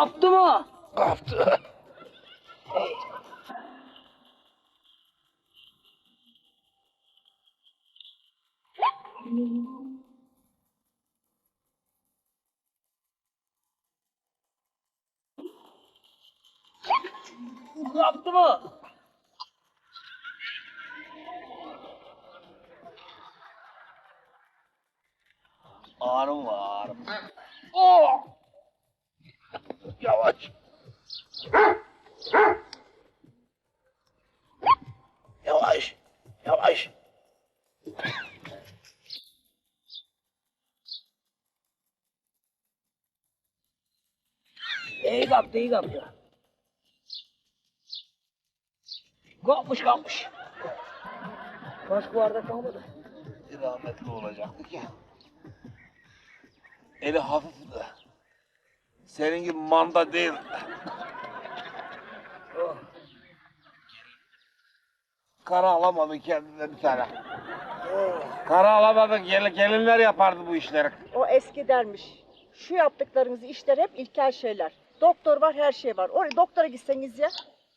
Kaptı mı? Kaptı. Kaptı mı? Ağrım var ağrım. Oh! Yavaş. Yavaş. Yavaş. İyi kaptı iyi kaptı. Kapmış. Başka bardak kalmadı. Rahmetli olacaktık ya. Eli hafifti. Senin gibi manda değil. Oh. Kara alamadın kendine bir tane. Kara alamadın. Gelinler yapardı bu işleri. O eski dermiş. Şu yaptıklarınız işler hep ilkel şeyler. Doktor var, her şey var. Oraya doktora gitseniz ya.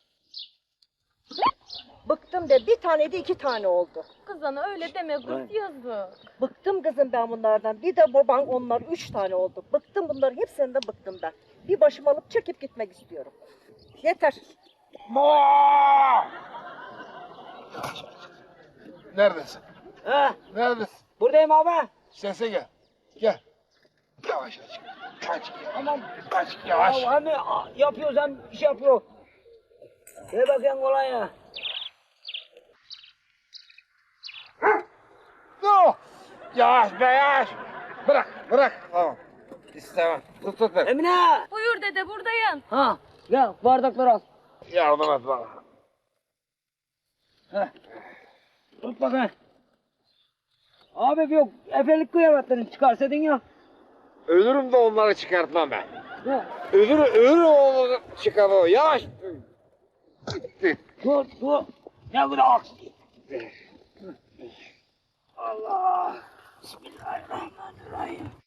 Bıktım de bir tane de 2 tane oldu. Kız ana öyle deme kız yazık. Bıktım kızım ben bunlardan. Bir de baban onlar 3 tane oldu. Bıktım bunların hepsinden bıktım ben. Bir başım alıp çekip gitmek istiyorum. Yeter. Neredesin? Ha, Neredesin? buradayım abi. Sese gel. Gel. Yavaş aç. Kaç. Tamam. Kaç yavaş. Ya hem yapıyoruz hem iş yapıyor. Ver bakayım kolay ya. No. Yavaş be yavaş. Bırak. Tamam. İstemem. Tut ver. Emine. Buyur dede buradayım. Ha, gel bardakları al. Yardım et bana. Heh. Tut bakayım. Abi yok, efelik kıyafetlerini çıkarsaydın ya. Ölürüm de onları çıkartmam ben. Ne? Ölürüm onları çıkarmam. Yavaş. Gitti. Dur. Ne bu da aksi. Allah. Bismillahirrahmanirrahim.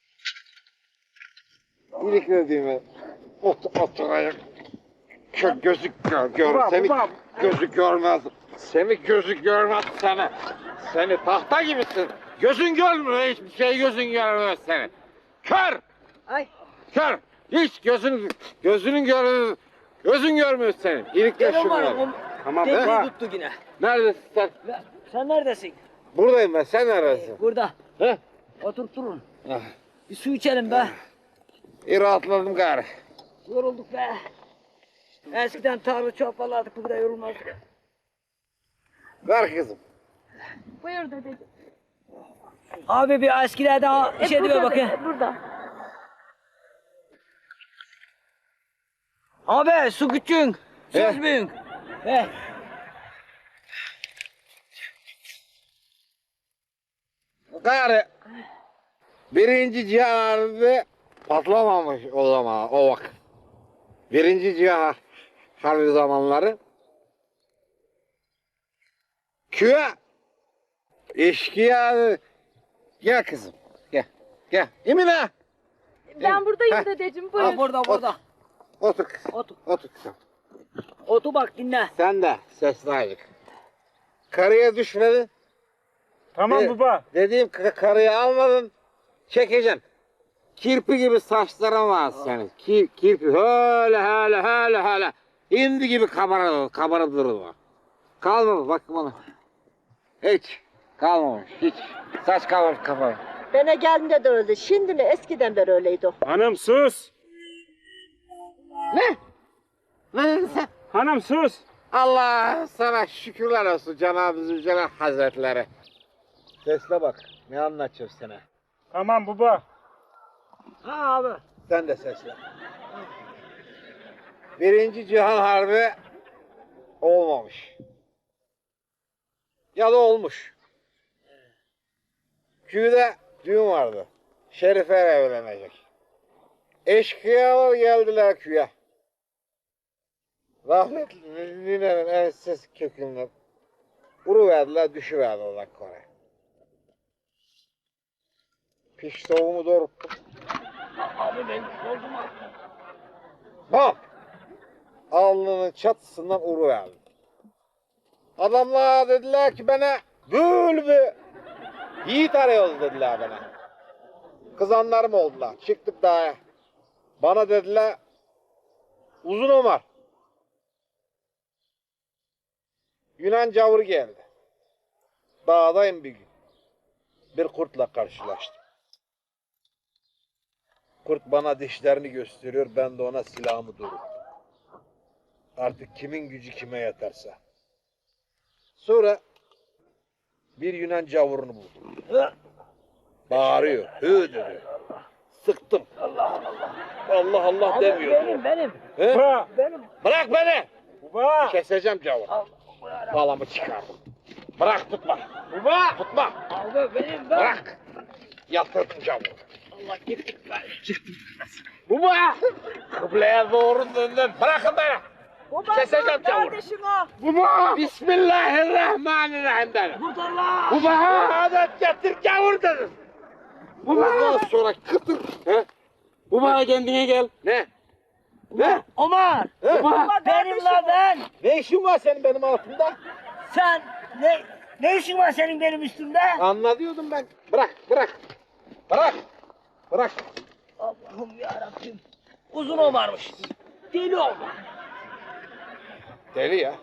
İlik ödeyim oturayım. Gözü gör. Gözü görmez. Semih gözü görmez seni. Seni tahta gibisin. Gözün görmüyor. Hiçbir şey gözün görmüyor seni. Kör. Ay. Kör. Hiç gözün görmüyor seni. İlikle Gel şunu. oğlum. Tamam Tekniği be. tuttu yine. Neredesin sen? Sen neredesin? Buradayım ben. Sen neredesin? Burada. He? Oturtturun. Ah, Bir su içelim be. İyi rahatladım gari. Yorulduk be. Eskiden tarla çoğaparlardık, bu kadar yorulmazdık. Ver kızım. Buyur dede. Abi bir eskilerden bir şey diyor bakayım. Burada. Abi su küçüğün, söz He. büyük. He. Gari birinci cihan patlamamış o zaman o vakit. Birinci cihan harbi zamanları köye eşkıya gel kızım gel Emine Ben buradayım Heh. dedeciğim Ha, buyur. burada. otur kızım Otur. otur kızım. Otur bak dinle. Sen de sesli ayık. Karıya düşmedin. Tamam baba. Dediğim karıyı almadın, çekeceksin. Kirpi gibi saçların var senin. Kirpi öyle. Hindi gibi kabarı durur. Kalmamış bak bana. Hiç kalmamış hiç. Saç kalmamış kafana. Bana geldiğinde de öyle. Şimdi mi? Eskiden beri öyleydi o. Hanım sus. Ne? Ne dedin sen? Hanım sus. Allah sana şükürler olsun Cenab-ı Zülcelal Hazretleri. Sesle bak. Ne anlatacağım sana? Tamam baba. Ha abi. Sen de sesle. Birinci Cihan Harbi olmamış. Ya da olmuş. Köyde düğün vardı. Şerife evlenecek. Eşkıyalar geldiler köye. Rahmetli ninenin enses kökünden vuruverdiler, düşüverdiler Kore'ye. Piş soğuğumu doğrulttum. Abi ben oldum mu? Bam! Alnının çatısından uğruverdim. Adamlar dediler ki bana böyle yiğit arıyoruz dediler bana. Kızanlarım oldular. Çıktık dağa. Bana dediler Uzun Ömer. Yunan cavuru geldi. Dağdayım bir gün. Bir kurtla karşılaştım. Kurt bana dişlerini gösteriyor. Ben de ona silahımı doğrulttum. Artık kimin gücü kime yeterse. Sonra bir Yunan cavurunu buldum. Bağırıyor. Hı dedi. Sıktım. Allah Allah Abi demiyor. benim. He? Baba. Benim. Bırak beni. Baba. Keseceğim cavur. Bağlamı çıkardım. Bırak tutma. Baba. Tutma. Abi benim. Bırak. Yatırdım cavur. Allah gitti. Baba. Kıbleye doğru döndüm. Bırakın beni. Baba Keseceğim cavur. kardeşim o. Baba. Bismillahirrahmanirrahim dedim. Kurtar lan. Baba. Adet getir cavur dedim. Bundan sonra kıtır. He? Baba kendine gel. Ne? Ne? Ömer. He? Baba Benim kardeşim la o. ben. Ne işin var senin benim altımda? Sen ne işin var senin benim üstümde? Anladıyordum ben. Bırak, bırak. Bırak. Bırak. Allah'ım yarabbim. Uzun Ömer'miş. Deli Ömer. Deli ya.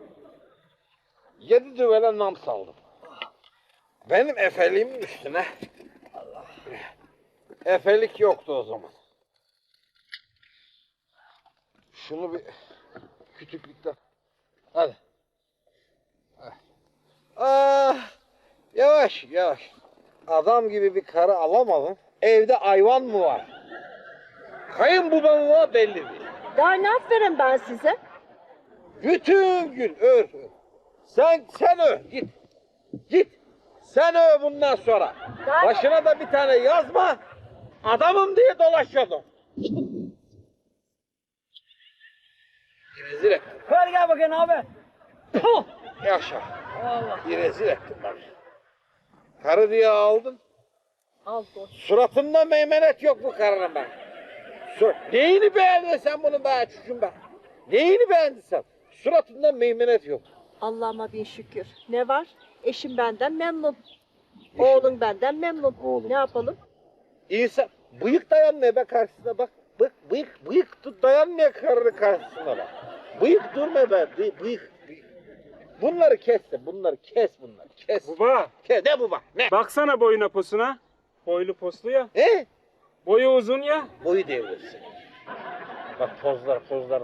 7 düvele nam saldım. Benim efeliğimin üstüne. Efelik yoktu o zaman. Şunu bir küçüklükten. Hadi. Ah, yavaş yavaş. Adam gibi bir karı alamadım. Evde hayvan mı var? Kayınbabam var belli değil. Daha ne aferin ben size? Bütün gün ör. Sen öv git. Git. Sen öv bundan sonra. Daha Başına da bir tane yazma. Adamım diye dolaşıyordum. Rezil ettin. Ver gel bakayım abi. Puh. Yaşa. Allah. Rezil ettin beni. Karı diye aldın. Al dur. Suratında meymenet yok bu karının ben. Neyini beğendin sen bunu be çocuğum ben? Neyini beğendin sen? Suratında meymenet yok. Allah'ıma bin şükür. Ne var? Eşim benden memnun. Oğlum benden memnun. Oğlum. Ne yapalım? İnsan bıyık dayanmıyor be karşısına bak. Bıyık tut dayanmıyor karının karşısına bak. Bıyık durma be. Bıyık. Bunları kes de bunları kes. Baba. Kes. Ne bu bak? Ne? Baksana boyuna posuna. Boylu poslu ya. He? Boyu uzun ya. Boyu devrilsin. Bak pozlar.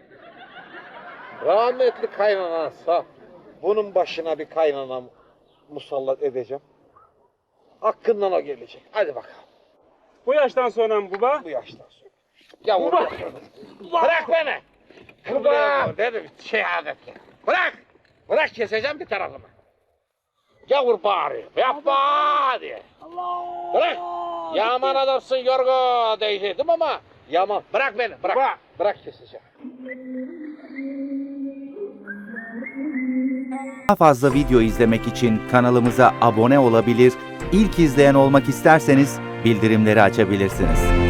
Rahmetli kaynanan sağ. Bunun başına bir kaynana musallat edeceğim. Hakkından o gelecek. Hadi bakalım. Bu yaştan sonra mı baba? Bu yaştan sonra. Yavrum. Bırak beni. Baba. Dedim şehadet. Bırak. Bırak keseceğim bir tarafımı. Gavur bağırıyor. Yapma diye. Allah. Bırak. Yaman adamsın Yorgo diyecektim ama yaman. Bırak beni. Bırak. Bırak keseceğim. Daha fazla video izlemek için kanalımıza abone olabilir, ilk izleyen olmak isterseniz bildirimleri açabilirsiniz.